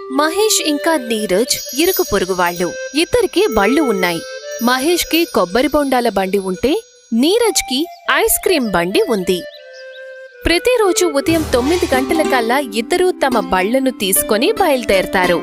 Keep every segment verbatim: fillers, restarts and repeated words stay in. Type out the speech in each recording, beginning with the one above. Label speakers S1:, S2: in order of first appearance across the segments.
S1: మహేష్ ఇంకా నీరజ్ ఇరుకు పొరుగువాళ్లు. ఇద్దరికి బళ్ళు ఉన్నాయి. మహేష్ కి కొబ్బరి బొండాల బండి ఉంటే నీరజ్ కి ఐస్ క్రీం బండి ఉంది. ప్రతిరోజు ఉదయం తొమ్మిది గంటలకల్లా ఇద్దరూ తమ బళ్లను తీసుకుని బయలుదేరతారు.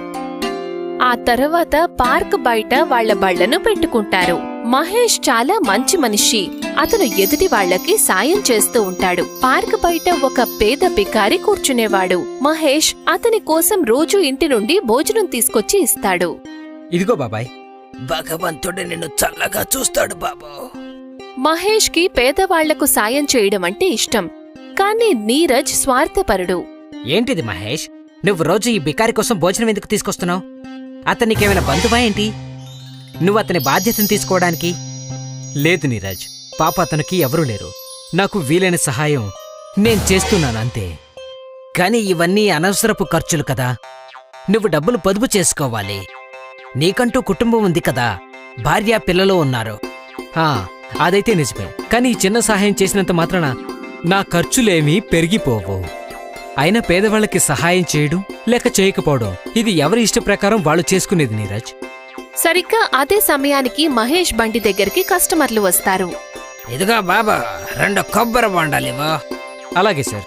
S1: ఆ తర్వాత పార్క్ బయట వాళ్ల బళ్లను పెట్టుకుంటారు. మహేష్ చాలా మంచి మనిషి. అతను ఎదుటి వాళ్లకి సాయం చేస్తూ ఉంటాడు. పార్క్ బయట ఒక పేద బికారి కూర్చునేవాడు. మహేష్ అతని కోసం రోజు ఇంటి నుండి భోజనం తీసుకొచ్చి ఇస్తాడు.
S2: ఇదిగో బాబాయ్.
S3: భగవంతుడు నిన్ను చల్లగా చూస్తాడు బాబు.
S1: మహేష్ కి పేదవాళ్లకు సాయం చేయడం అంటే ఇష్టం. కాని నీరజ్ స్వార్థపరుడు.
S2: ఏంటిది మహేష్, నువ్వు రోజు ఈ బికారి కోసం భోజనం ఎందుకు తీసుకొస్తున్నావు? అతనికేమైనా బంధువా ఏంటి? నువ్వు అతని బాధ్యతను తీసుకోవడానికి? లేదు నీరజ్, పాప అతనికి ఎవరూ లేరు. నాకు వీలైన సహాయం నేను చేస్తున్నానంతే. కాని ఇవన్నీ అనవసరపు ఖర్చులు కదా. నువ్వు డబ్బులు పొదుపు చేసుకోవాలి. నీకంటూ కుటుంబం ఉంది కదా, భార్య పిల్లలు ఉన్నారు. హా, అదైతే నిజమే. కాని ఈ చిన్న సహాయం చేసినంత మాత్రాన నా ఖర్చులేమీ పెరిగిపోవు. అయినా పేదవాళ్లకి సహాయం చేయడం లేక చేయకపోవడం ఇది ఎవరి ఇష్ట ప్రకారం వాళ్ళు చేసుకునేది నీరజ్.
S1: సరిగ్గా అదే సమయానికి మహేష్ బండి దగ్గరికి కస్టమర్లు వస్తారు.
S3: ఇదిగో బాబా, రెండు కొబ్బరి బొండాలివో.
S2: అలాగే సార్.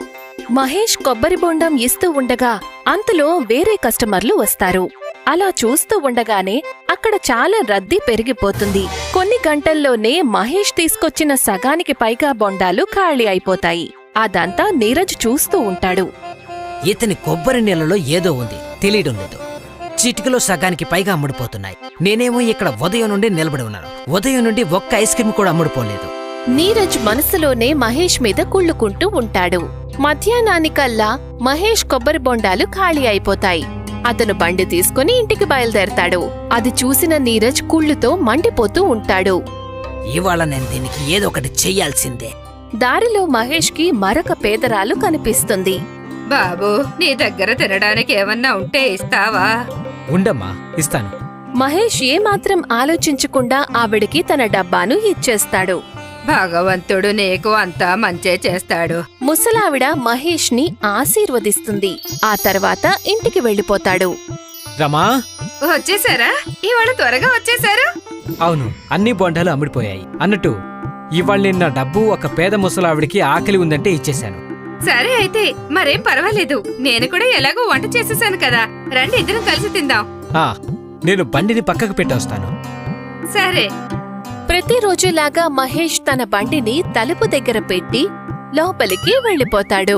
S1: మహేష్ కొబ్బరి బొండం ఇస్తూ ఉండగా అంతలో వేరే కస్టమర్లు వస్తారు. అలా చూస్తూ ఉండగానే అక్కడ చాలా రద్దీ పెరిగిపోతుంది. కొన్ని గంటల్లోనే మహేష్ తీసుకొచ్చిన సగానికి పైగా బొండాలు ఖాళీ అయిపోతాయి. అదంతా నీరజ్ చూస్తూ ఉంటాడు.
S3: ఇతని కొబ్బరి నీళ్ళలో ఏదో ఉంది, తెలియడం లేదు. చిటికలో సగానికి పైగా అమ్ముడుపోతున్నాయి. నేనేమో ఇక్కడ ఉదయం నుండి నిలబడి ఉన్నాను. ఉదయం నుండి ఒక్క ఐస్ క్రీమ్ కూడా అమ్ముడుపోలేదు.
S1: నీరజ్ మనసులోనే మహేష్ మీద కుళ్ళుకుంటూ ఉంటాడు. మధ్యాహ్నానికల్లా మహేష్ కొబ్బరి బొండాలు ఖాళీ అయిపోతాయి. అతను బండి తీసుకుని ఇంటికి బయలుదేరతాడు. అది చూసిన నీరజ్ కుళ్ళుతో మండిపోతూ ఉంటాడు.
S3: ఇవాళ నేను దీనికి ఏదో ఒకటి చెయ్యాల్సిందే.
S1: దారిలో మహేష్ కి మరొక పేదరాలు కనిపిస్తుంది.
S4: బాబూ, నీ దగ్గర తినడానికి ఏమన్నా ఉంటే ఇస్తావా?
S2: ఉండమ్మా, ఇస్తాను.
S1: మహేష్ ఏమాత్రం ఆలోచించకుండా ఆవిడికి తన డబ్బాను ఇచ్చేస్తాడు.
S4: భగవంతుడు నీకు అంతా మంచే చేస్తాడు.
S1: ముసలావిడ మహేష్ ని ఆశీర్వదిస్తుంది. ఆ తర్వాత ఇంటికి వెళ్లిపోతాడు.
S2: రమా,
S4: వచ్చేసారా? ఇవాళ త్వరగా వచ్చేసారు.
S2: అవును, అన్ని బొండాలు అమ్ముడిపోయాయి. అన్నట్టు ఇవాళ నేను నా డబ్బు ఒక పేద ముసలావిడికి ఆకలి ఉందంటే ఇచ్చేశాను.
S4: సరే అయితే మరేం పర్వాలేదు. నేను కూడా ఎలాగో వంట చేసేసాను కదా, రండి ఇద్దరం కలిసి తిందాం.
S2: ఆ, నేను బండిని పక్కకు పెట్టొస్తాను.
S4: సరే.
S1: ప్రతిరోజులాగా మహేష్ తన బండిని తలుపు దగ్గర పెట్టి లోపలికి వెళ్లిపోతాడు.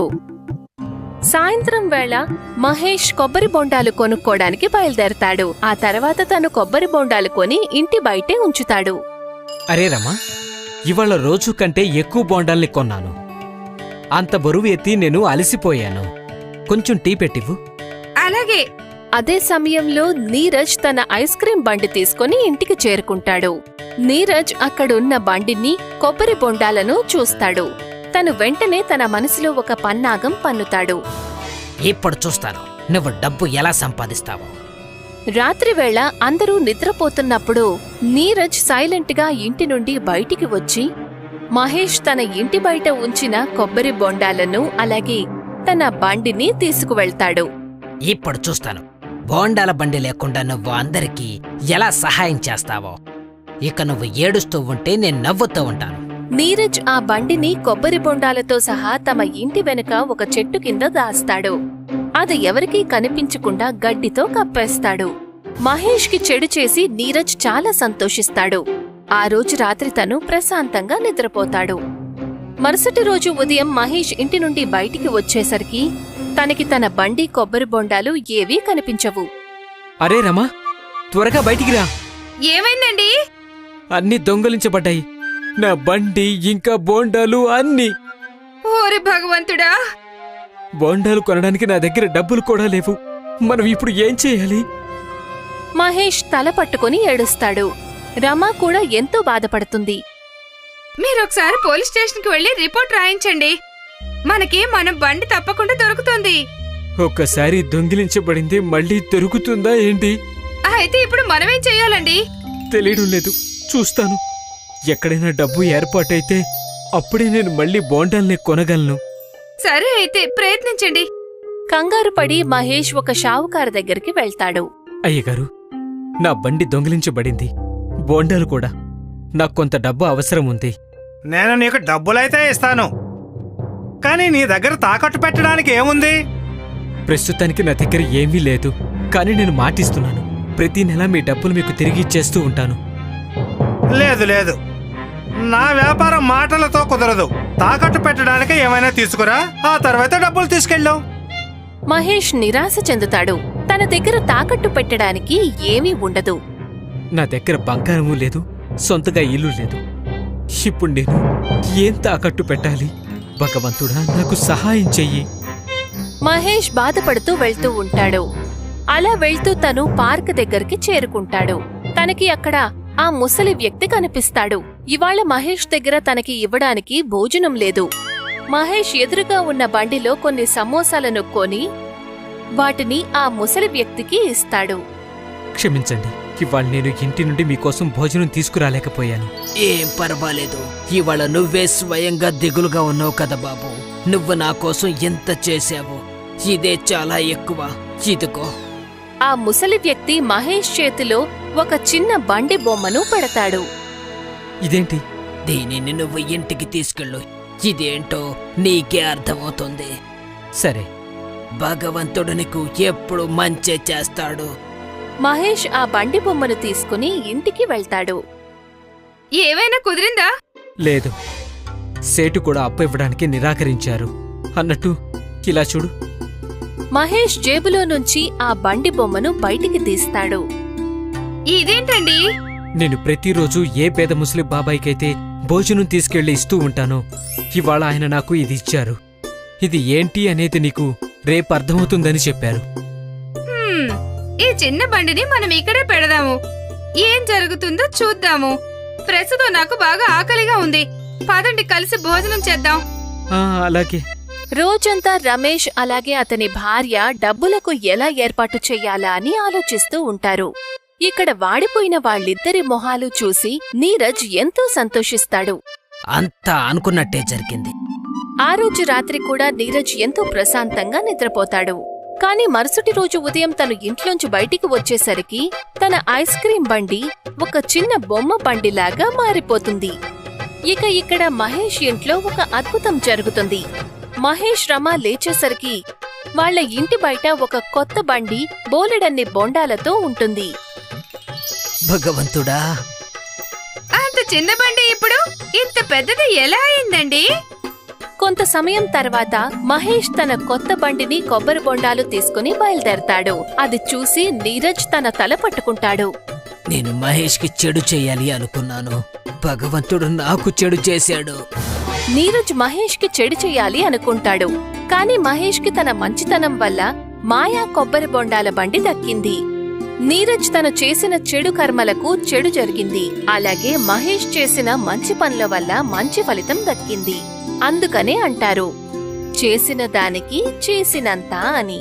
S1: సాయంత్రం వేళ మహేష్ కొబ్బరి బొండాలు కొనుక్కోడానికి బయలుదేరతాడు. ఆ తర్వాత తను కొబ్బరి బొండాలు కొని ఇంటి బయటే ఉంచుతాడు.
S2: అరే రమా, ఇవాళ రోజు కంటే ఎక్కువ బొండాల్ని కొన్నాను. అంత బరువు ఎత్తి నేను అలసిపోయాను. కొంచెం టీ పెట్టివ్వు.
S4: అలాగే.
S1: అదే సమయంలో నీరజ్ తన ఐస్ క్రీం బండి తీసుకుని ఇంటికి చేరుకుంటాడు. నీరజ్ అక్కడున్న బండిని, కొబ్బరి బొండాలను చూస్తాడు. తను వెంటనే తన మనసులో ఒక పన్నాగం పన్నుతాడు.
S3: ఇప్పుడు చూస్తాను నువ్వు డబ్బు ఎలా సంపాదిస్తావో.
S1: రాత్రివేళ అందరూ నిద్రపోతున్నప్పుడు నీరజ్ సైలెంట్గా ఇంటి నుండి బయటికి వచ్చి మహేష్ తన ఇంటి బయట ఉంచిన కొబ్బరి బొండాలను అలాగే తన బండిని తీసుకువెళ్తాడు.
S3: ఇప్పుడు చూస్తాను బోండాల బండి లేకుండా నువ్వు అందరికీ ఎలా సహాయం చేస్తావో. ఇక నువ్వు ఏడుస్తూ ఉంటే నేను నవ్వుతూ ఉంటాను.
S1: నీరజ్ ఆ బండిని కొబ్బరి బొండాలతో సహా తమ ఇంటి వెనుక ఒక చెట్టు కింద దాస్తాడు. అది ఎవరికీ కనిపించకుండా గడ్డితో కప్పేస్తాడు. మహేష్ కి చెడు చేసి నీరజ్ చాలా సంతోషిస్తాడు. ఆ రోజు రాత్రి తను ప్రశాంతంగా నిద్రపోతాడు. మరుసటి రోజు ఉదయం మహేష్ ఇంటి నుండి బయటికి వచ్చేసరికి తనకి తన బండి, కొబ్బరి బొండాలు ఏవీ కనిపించవు.
S2: అరే రమా, త్వరగా బయటికి రా.
S4: ఏమైందండి?
S2: అన్ని దొంగలించబడ్డాయి. నా బండి ఇంకా బోండాలు అన్ని.
S4: ఓరి భగవంతుడా!
S2: బోండాలు కొనడానికి నా దగ్గర డబ్బులు కూడా లేవు. మనం ఇప్పుడు ఏం చేయాలి?
S1: మహేష్ తల పట్టుకుని ఏడుస్తాడు. రమా కూడా ఎంతో బాధపడుతుంది.
S4: మీరొకసారి పోలీస్ స్టేషన్కి వెళ్లి రిపోర్ట్ రాయించండి. మనకి మన బండి తప్పకుండా దొరుకుతుంది.
S2: ఒక్కసారి దొంగిలించబడింది మళ్ళీ దొరుకుతుందా ఏంటి?
S4: అయితే ఇప్పుడు మనమేం చెయ్యాలండి?
S2: తెలియడం లేదు, చూస్తాను. ఎక్కడైనా డబ్బు ఏర్పాటైతే అప్పుడే నేను మళ్ళీ బోండాల్ని కొనగలను.
S4: సరే అయితే ప్రయత్నించండి.
S1: కంగారు పడి మహేష్ ఒక షావుకారు దగ్గరికి వెళ్తాడు.
S2: అయ్యగారు, నా బండి దొంగిలించబడింది, బోండాలు కూడా. నాకు కొంత డబ్బు అవసరం ఉంది.
S5: నేను నీకు డబ్బులైతే ఇస్తాను, కానీ నీ దగ్గర తాకట్టు పెట్టడానికి ఏముంది?
S2: ప్రస్తుతానికి నా దగ్గర ఏమీ లేదు, కానీ నేను మాటిస్తున్నాను, ప్రతి నెల మీ డబ్బులు మీకు తిరిగి ఇచ్చేస్తూ ఉంటాను.
S5: లేదు లేదు, నా వ్యాపారం మాటలతో కుదరదు. తాకట్టు పెట్టడానికి ఏమైనా తీసుకురా, ఆ తర్వాత డబ్బులు తీసుకెళ్ళావు.
S1: మహేష్ నిరాశ చెందుతాడు. తన దగ్గర తాకట్టు పెట్టడానికి ఏమీ ఉండదు.
S2: నా దగ్గర బంగారము లేదు, సొంతగా ఇల్లు లేదు. ఇప్పుడు నేను ఏం తాకట్టు పెట్టాలి? భగవంతుడా, నాకు సహాయం చెయ్యి.
S1: మహేష్ బాధపడుతూ వెళ్తూ ఉంటాడు. అలా వెళ్తూ తను పార్క్ దగ్గరికి చేరుకుంటాడు. తనకి అక్కడ ఆ ముసలి వ్యక్తి కనిపిస్తాడు. ఇవాళ మహేష్ దగ్గర తనకి ఇవ్వడానికి భోజనం లేదు. మహేష్ ఎదురుగా ఉన్న బండిలో కొన్ని సమోసాలను కొని వాటిని ఆ ముసలి వ్యక్తికి ఇస్తాడు.
S2: క్షమించండి, ఇవాళ నేను ఇంటి నుండి మీకోసం భోజనం తీసుకురాలేకపోయాను.
S3: ఏం పర్వాలేదు, ఇవాళ నువ్వే స్వయంగా దిగులుగా ఉన్నావు కదా బాబు. నువ్వు నా కోసం ఎంత చేశావు, ఇదే చాలా ఎక్కువ. ఇదిగో.
S1: ఆ ముసలి వ్యక్తి మహేష్ చేతిలో ఒక చిన్న బండి బొమ్మను పెడతాడు.
S2: ఇదేంటి?
S3: దీనిని నువ్వు ఇంటికి తీసుకెళ్ళు. ఇదేంటో నీకే అర్థమవుతుంది.
S2: సరే.
S3: భగవంతుడు నీకు ఎప్పుడు మంచే చేస్తాడు.
S1: మహేష్ ఆ బండి బొమ్మను తీసుకుని ఇంటికి వెళ్తాడు.
S4: ఏవైనా కుదిరిందా?
S2: లేదు, సేటు కూడా అప్పు ఇవ్వడానికి నిరాకరించారు. అన్నట్టు ఇలా చూడు.
S1: మహేష్ జేబులో నుంచి ఆ బండి బొమ్మను బయటికి తీస్తాడు.
S4: ఇదేంటండి?
S2: నేను ప్రతిరోజు ఏ పేద ముస్లిం బాబాయికైతే భోజనం తీసుకెళ్లి ఇస్తూ ఉంటానో, ఇవాళ ఆయన నాకు ఇది ఇచ్చారు. ఇది ఏంటి అనేది నీకు రేపు అర్థమవుతుందని చెప్పారు.
S4: హ్మ్, ఈ చిన్న బండిని మనం ఇక్కడే పెడదాము. ఏం జరుగుతుందో చూద్దాము. ప్రస్తుతం నాకు బాగా ఆకలిగా ఉంది. పదండి, కలిసి భోజనం చేద్దాం.
S2: ఆ, అలాగే.
S1: రోజంతా రమేష్ అలాగే అతని భార్య డబ్బులకు ఎలా ఏర్పాటు చెయ్యాలా అని ఆలోచిస్తూ ఉంటారు. ఇక్కడ వాడిపోయిన వాళ్ళిద్దరి మొహాలు చూసి నీరజ్ ఎంతో సంతోషిస్తాడు.
S3: అంతా అనుకున్నట్టే జరిగింది.
S1: ఆ రోజు రాత్రి కూడా నీరజ్ ఎంతో ప్రశాంతంగా నిద్రపోతాడు. కాని మరుసటి రోజు ఉదయం తను ఇంట్లోంచి బయటికి వచ్చేసరికి తన ఐస్ క్రీం బండి ఒక చిన్న బొమ్మ బండిలాగా మారిపోతుంది. ఇక ఇక్కడ మహేష్ ఇంట్లో ఒక అద్భుతం జరుగుతుంది. మహేష్ రమ లేచేసరికి వాళ్ల ఇంటి బయట ఒక కొత్త బండి బోలెడన్ని బొండాలతో ఉంటుంది.
S3: భగవంతుడా,
S4: అంత చిన్న బండి ఇప్పుడు ఇంత పెద్దది ఎలా అయిందండి?
S1: కొంత సమయం తర్వాత మహేష్ తన కొత్త బండిని కొబ్బరి బొండాలు తీసుకుని బయలుదేరతాడు. అది చూసి నీరజ్ తన తల పట్టుకుంటాడు.
S3: నేను మహేష్కి చెడు చేయాలి అనుకున్నాను, భగవంతుడు నాకు చెడు చేశాడు.
S1: నీరజ్ మహేష్ కి చెడు చెయ్యాలి అనుకుంటాడు. కాని మహేష్ కి తన మంచితనం వల్ల మాయా కొబ్బరి బొండాల బండి దక్కింది. నీరజ్ తను చేసిన చెడు కర్మలకు చెడు జరిగింది. అలాగే మహేష్ చేసిన మంచి పనుల వల్ల మంచి ఫలితం దక్కింది. అందుకనే అంటారు, చేసిన దానికి చేసినంత అని.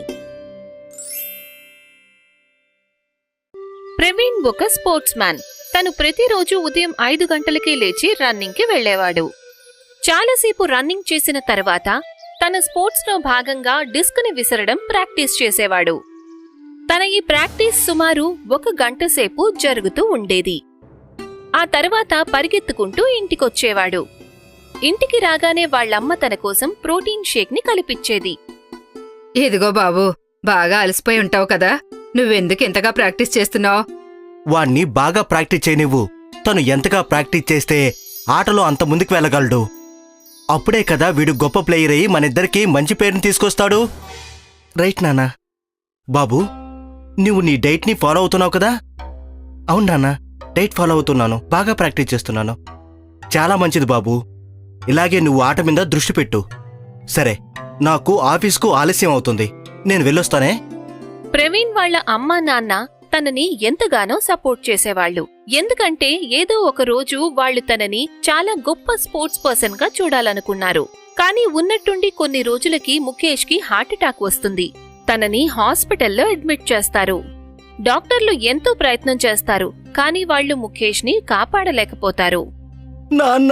S1: ప్రవీణ్ ఒక స్పోర్ట్స్ మ్యాన్. తను ప్రతిరోజు ఉదయం ఐదు గంటలకే లేచి రన్నింగ్ కి వెళ్లేవాడు. చాలాసేపు రన్నింగ్ చేసిన తర్వాత తన స్పోర్ట్స్ లో భాగంగా డిస్క్ ని విసరడం ప్రాక్టీస్ చేసేవాడు. తన ఈ ప్రాక్టీస్ సుమారు ఒక గంట సేపు జరుగుతూ ఉండేది. ఆ తర్వాత పరిగెత్తుకుంటూ ఇంటికొచ్చేవాడు. ఇంటికి రాగానే వాళ్ళమ్మ తన కోసం ప్రోటీన్ షేక్ ని కలిపిచ్చేది.
S4: ఇదిగో బాబు, బాగా అలసిపోయి ఉంటావు కదా, నువ్వెందుకు ఇంతగా ప్రాక్టీస్ చేస్తున్నావు?
S6: వాణ్ణి బాగా ప్రాక్టీస్ చేయనివ్వు. తను ఎంతగా ప్రాక్టీస్ చేస్తే ఆటలో అంత ముందుకు వెళ్ళగలడు. అప్పుడే కదా వీడు గొప్ప ప్లేయర్ అయ్యి మనిద్దరికీ మంచి పేరుని తీసుకొస్తాడు. రైట్ నాన్నా. బాబు, నువ్వు నీ డైట్ని ఫాలో అవుతున్నావు కదా? అవును నాన్న, డైట్ ఫాలో అవుతున్నాను, బాగా ప్రాక్టీస్ చేస్తున్నాను. చాలా మంచిది బాబు, ఇలాగే నువ్వు ఆట మీద దృష్టి పెట్టు. సరే, నాకు ఆఫీస్కు ఆలస్యం అవుతుంది, నేను వెళ్ళొస్తానే.
S1: ప్రవీణ్ వాళ్ళ అమ్మా నాన్న తనని ఎంతగానో సపోర్ట్ చేసేవాళ్లు. ఎందుకంటే ఏదో ఒక రోజు వాళ్లు తనని చాలా గొప్ప స్పోర్ట్స్ పర్సన్ గా చూడాలనుకున్నారు. కానీ ఉన్నట్టుండి కొన్ని రోజులకి ముఖేష్ కి హార్ట్అటాక్ వస్తుంది. తనని హాస్పిటల్లో అడ్మిట్ చేస్తారు. డాక్టర్లు ఎంతో ప్రయత్నం చేస్తారు, కానీ వాళ్లు ముఖేష్ ని కాపాడలేకపోతారు.
S6: నాన్న.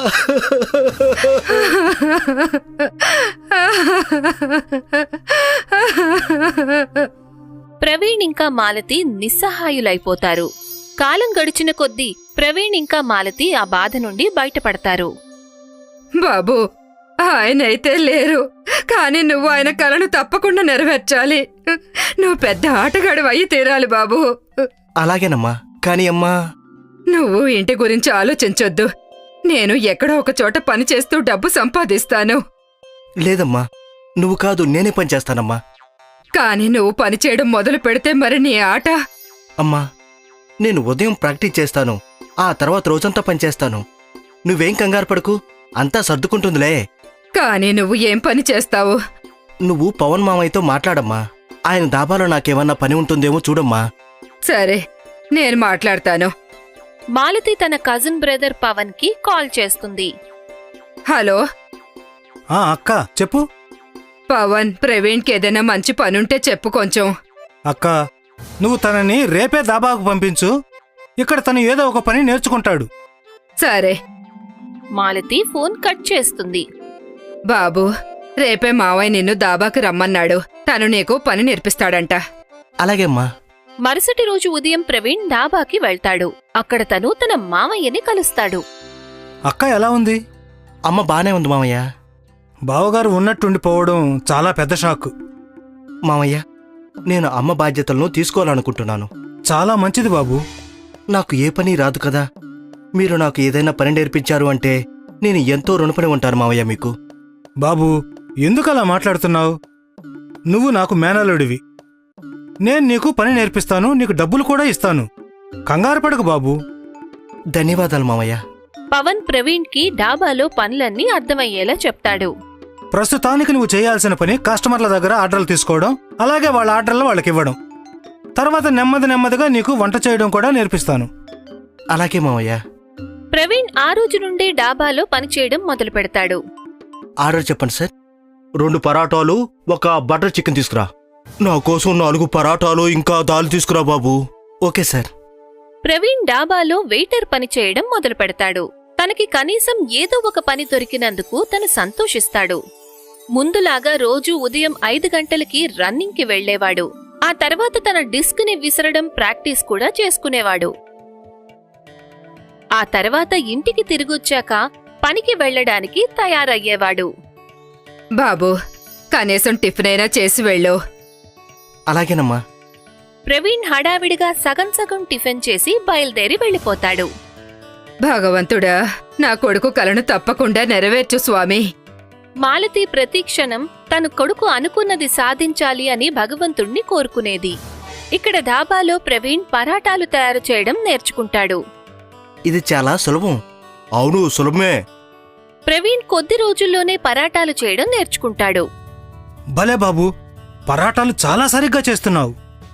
S1: ప్రవీణ్ ఇంకా మాలతి నిస్సహాయులైపోతారు. కాలం గడిచిన కొద్దీ ప్రవీణ్ ఇంకా మాలతి ఆ బాధ నుండి బయటపడతారు.
S4: బాబు, ఆయనైతే లేరు, కానీ నువ్వు ఆయన కలను తప్పకుండా నెరవేర్చాలి. నువ్వు పెద్ద ఆటగాడు అయ్యి తీరాలి బాబు.
S6: అలాగేనమ్మా. కానీ అమ్మా,
S4: నువ్వు ఇంటి గురించి ఆలోచించొద్దు. నేను ఎక్కడో ఒక చోట పని చేస్తూ డబ్బు సంపాదిస్తాను.
S6: లేదమ్మా, నువ్వు కాదు నేనే పని చేస్తానమ్మా.
S4: కానీ నువ్వు పని చేయడం మొదలు పెడితే మరి నీ ఆట.
S6: అమ్మా, నేను ఉదయం ప్రాక్టీస్ చేస్తాను, ఆ తర్వాత రోజంతా పని చేస్తాను. నువ్వేం కంగారు పడకు, అంతా సర్దుకుంటుందిలే.
S4: కానీ నువ్వు ఏం పని చేస్తావు?
S6: నువ్వు పవన్ మామయ్యతో మాట్లాడమ్మా. ఆయన దాబాలో నాకేమన్నా పని ఉంటుందేమో చూడమ్మా.
S4: సరే, నేను మాట్లాడతాను.
S1: మాలతి తన కజిన్ బ్రదర్ పవన్ కి కాల్ చేస్తుంది.
S4: హలో
S5: ఆ అక్క చెప్పు.
S4: పవన్, ప్రవీణ్కి ఏదైనా మంచి పనుంటే చెప్పు కొంచెం.
S5: అక్క, నువ్వు తనని రేపే దాబాకు పంపించు. ఇక్కడ తను ఏదో ఒక పని నేర్చుకుంటాడు.
S4: సరే
S1: మాలతి ఫోన్ కట్ చేస్తుంది.
S4: బాబు, రేపే మావయ్య నిన్ను దాబాకి రమ్మన్నాడు. తను నీకు పని నేర్పిస్తాడంట.
S6: అలాగేమ్మా.
S1: మరుసటి రోజు ఉదయం ప్రవీణ్ డాబాకి వెళ్తాడు. అక్కడ తను తన మామయ్యని కలుస్తాడు.
S5: అక్క ఎలా ఉంది?
S6: అమ్మ బానే ఉంది మామయ్య.
S5: బావగారు ఉన్నట్టుండిపోవడం చాలా పెద్ద షాక్.
S6: మామయ్య, నేను అమ్మ బాధ్యతలను తీసుకోవాలనుకుంటున్నాను.
S5: చాలా మంచిది బాబు.
S6: నాకు ఏ పని రాదు కదా. మీరు నాకు ఏదైనా పని నేర్పించారు అంటే నేను ఎంతో రుణపడి ఉంటాను మామయ్య మీకు.
S5: బాబు, ఎందుకలా మాట్లాడుతున్నావు? నువ్వు నాకు మేనల్లుడివి. నేను నీకు పని నేర్పిస్తాను, నీకు డబ్బులు కూడా ఇస్తాను. కంగారు పడకు బాబు.
S6: ధన్యవాదాలు మామయ్య.
S1: పవన్ ప్రవీణ్ కి డాబాలో పనులన్నీ అర్థమయ్యేలా చెప్తాడు.
S5: ప్రస్తుతానికి నువ్వు చేయాల్సిన పని కస్టమర్ల దగ్గర ఆర్డర్లు తీసుకోవడం, అలాగే వాళ్ళ ఆర్డర్లు వాళ్ళకి ఇవ్వడం. తర్వాత నెమ్మది నెమ్మదిగా నీకు వంట చేయడం కూడా నేర్పిస్తాను.
S6: అలాగే మామయ్య.
S1: ప్రవీణ్ ఆ రోజు నుండే డాబాలో పనిచేయడం మొదలు పెడతాడు.
S6: ఆర్డర్ చెప్పండి సార్. రెండు పరాటాలు, ఒక బటర్ చికెన్ తీసుకురా. నా కోసం నాలుగు పరాటాలు ఇంకా దాల్ తీసుకురా బాబు. Okay sir.
S1: ప్రవీణ్ డాబాలో వెయిటర్ పని చేయడం మొదలు పెడతాడు. తనకి కనీసం ఏదో ఒక పని దొరికినందుకు తను సంతోషిస్తాడు. ముందులాగా రోజూ ఉదయం ఐదు గంటలకి రన్నింగ్కి వెళ్లేవాడు. ఆ తర్వాత తన డిస్క్ ని విసరడం ప్రాక్టీస్ కూడా చేసుకునేవాడు. ఆ తర్వాత ఇంటికి తిరిగొచ్చాక పనికి వెళ్లడానికి తయారయ్యేవాడు.
S4: బాబు, కనీసం టిఫిన్ అయినా చేసి వెళ్ళు.
S6: అలాగేనమ్మా.
S1: ప్రవీణ్ హడావిడిగా సగం సగం టిఫిన్ చేసి బయలుదేరి వెళ్లిపోతాడు.
S4: భగవంతుడా, నా కొడుకు కలను తప్పకుండా నెరవేర్చు స్వామి.
S1: మాలతి ప్రతిక్షణం తన కొడుకు అనుకున్నది సాధించాలి అని భగవంతుణ్ణి కోరుకునేది. ఇక్కడ ధాబాలో ప్రవీణ్ పరాటాలు తయారు చేయడం నేర్చుకుంటాడు.
S6: ఇది చాలా సులభం. అవును, సులభమే.
S1: ప్రవీణ్ కొద్ది రోజుల్లోనే పరాటాలు చేయడం నేర్చుకుంటాడు.
S5: భలే బాబు, పరాటాలు చాలా సరిగ్గా చేస్తున్నావు.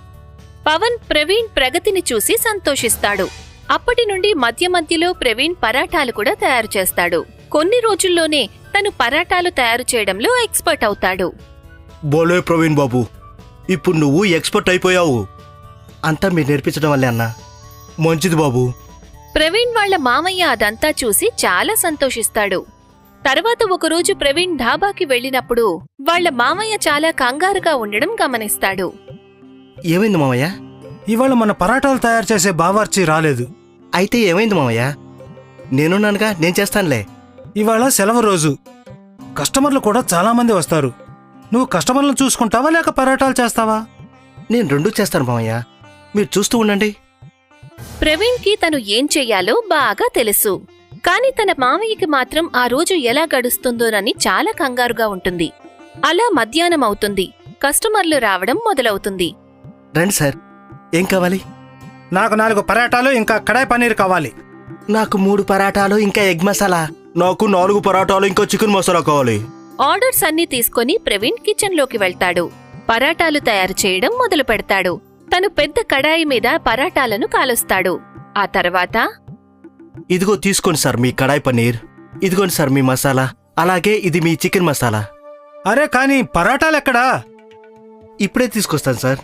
S1: పవన్ ప్రవీణ్ ప్రగతిని చూసి సంతోషిస్తాడు. అప్పటి నుండి మధ్య మధ్యలో ప్రవీణ్ పరాటాలు కూడా తయారు చేస్తాడు. కొన్ని రోజుల్లోనే తను పరాటాలు తయారు చేయడంలో ఎక్స్పర్ట్ అవుతాడు.
S6: బోలే ప్రవీణ్ బాబు, ఇప్పుడు నువ్వు ఎక్స్పర్ట్ అయిపోయావు. అంతా మీరు నేర్పించడం వల్లే అన్నా. మంచిది బాబు.
S1: ప్రవీణ్ వాళ్ల మామయ్య అదంతా చూసి చాలా సంతోషిస్తాడు. తర్వాత ఒకరోజు ప్రవీణ్ ధాబాకి వెళ్ళినప్పుడు వాళ్ల మామయ్య చాలా కంగారుగా ఉండడం గమనిస్తాడు.
S6: ఏమైంది మామయ్య?
S5: ఇవాళ మన పరాటాలు తయారు చేసే బావార్చి రాలేదు.
S6: అయితే ఏమైంది మామయ్య? నేనున్నానుగా, నేను చేస్తానులే.
S5: ఇవాళ సెలవు రోజు, కస్టమర్లు కూడా చాలా మంది వస్తారు. నువ్వు కస్టమర్లను చూసుకుంటావా లేక పరాటాలు చేస్తావా?
S6: నేను రెండూ చేస్తాను మామయ్య, మీరు చూస్తూ ఉండండి.
S1: ప్రవీణ్ కి తను ఏం చెయ్యాలో బాగా తెలుసు. కాని తన మామయ్యకి మాత్రం ఆ రోజు ఎలా గడుస్తుందోనని చాలా కంగారుగా ఉంటుంది. అలా మధ్యాహ్నం అవుతుంది. కస్టమర్లు రావడం మొదలవుతుంది.
S6: రండి సార్, ఏం కావాలి?
S5: నాకు నాలుగు పరాటాలు ఇంకా కడాయి పన్నీర్ కావాలి.
S6: నాకు మూడు పరాటాలు ఇంకా ఎగ్ మసాలా. నాకు నాలుగు పరాటాలు ఇంకా చికెన్ మసాలా కావాలి.
S1: ఆర్డర్స్ అన్నీ తీసుకుని ప్రవీణ్ కిచెన్ లోకి వెళ్తాడు. పరాటాలు తయారు చేయడం మొదలు పెడతాడు. తను పెద్ద కడాయి మీద పరాటాలను కాలుస్తాడు. ఆ తర్వాత,
S6: ఇదిగో తీసుకోండి సార్ మీ కడాయి పన్నీర్. ఇదిగోండి సార్ మీ మసాలా. అలాగే ఇది మీ చికెన్ మసాలా.
S5: అరే కానీ పరాటాలెక్కడా?
S6: ఇప్పుడే తీసుకొస్తాను సార్.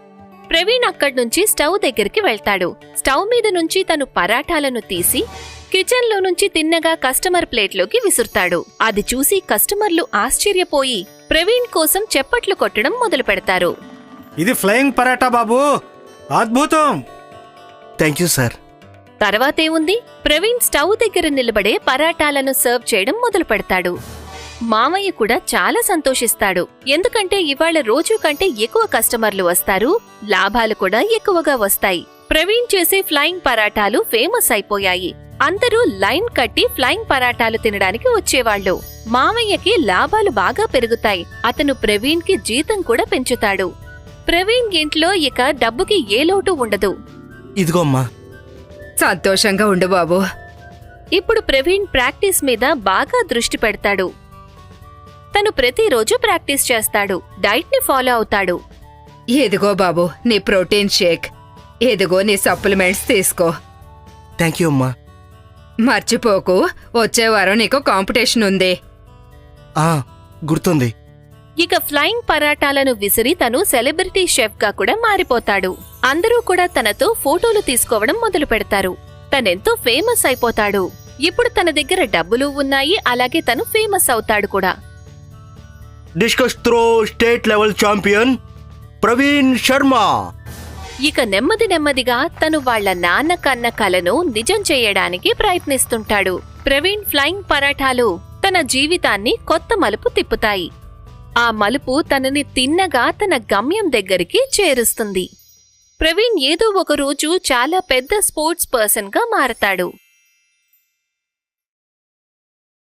S1: ప్రవీణ్ అక్కడ్నుంచి స్టవ్ దగ్గరికి వెళ్తాడు. స్టవ్ మీద నుంచి తను పరాటాలను తీసి కిచెన్లో నుంచి తిన్నగా కస్టమర్ ప్లేట్లోకి విసురుతాడు. అది చూసి కస్టమర్లు ఆశ్చర్యపోయి ప్రవీణ్ కోసం చప్పట్లు కొట్టడం మొదలు పెడతారు.
S5: ఇది ఫ్లయింగ్ పరాటా బాబు, అద్భుతం.
S6: Thank you sir.
S1: తర్వాతేముంది, ప్రవీణ్ స్టవ్ దగ్గర నిలబడే పరాటాలను సర్వ్ చేయడం మొదలు పెడతాడు. మామయ్య కూడా చాలా సంతోషిస్తాడు. ఎందుకంటే ఇవాళ రోజు కంటే ఎక్కువ కస్టమర్లు వస్తారు, లాభాలు కూడా ఎక్కువగా వస్తాయి. ప్రవీణ్ చేసే ఫ్లయింగ్ పరాటాలు ఫేమస్ అయిపోయాయి. అందరూ లైన్ కట్టి ఫ్లయింగ్ పరాటాలు తినడానికి వచ్చేవాళ్లు. మామయ్యకి లాభాలు బాగా పెరుగుతాయి. అతను ప్రవీణ్ కి జీతం కూడా పెంచుతాడు. ప్రవీణ్ ఇంట్లో ఇక డబ్బుకి ఏ లోటు ఉండదు.
S6: ఇదిగో అమ్మా.
S4: సంతోషంగా ఉండు బాబు.
S1: ఇప్పుడు ప్రవీణ్ ప్రాక్టీస్ మీద బాగా దృష్టి పెడతాడు. తను ప్రతిరోజు ప్రాక్టీస్ చేస్తాడు, డైట్ ని ఫాలో అవుతాడు.
S4: ఇదిగో బాబు నీ ప్రోటీన్ షేక్, ఇదిగో నీ సప్లిమెంట్స్ తీసుకో.
S6: థ్యాంక్ యూ అమ్మా.
S4: మర్చిపోకు, వచ్చే వారం నీకు కాంపిటీషన్ ఉంది.
S6: ఆ, గుర్తుంది.
S1: ఇక ఫ్లయింగ్ పరాటాలను విసిరి తను సెలబ్రిటీ షెఫ్ గా కూడా మారిపోతాడు. అందరూ కూడా తనతో ఫోటోలు తీసుకోవడం మొదలు పెడతారు. తనెంతో ఫేమస్ అయిపోతాడు. ఇప్పుడు తన దగ్గర డబ్బులు ఉన్నాయి, అలాగే తను ఫేమస్ అవుతాడు కూడా.
S6: Discus throw state level champion Praveen Sharma.
S1: ఇక నెమ్మది నెమ్మదిగా తను వాళ్ల నాన్న కన్న కలను నిజం చేయడానికి ప్రయత్నిస్తుంటాడు. ప్రవీణ్ ఫ్లయింగ్ పరాఠాలు తన జీవితాన్ని కొత్త మలుపు తిప్పుతాయి. ఆ మలుపు తనని తిన్నగా తన గమ్యం దగ్గరికి చేరుస్తుంది. ప్రవీణ్ ఏదో ఒక రోజు చాలా పెద్ద స్పోర్ట్స్ పర్సన్ గా మారతాడు.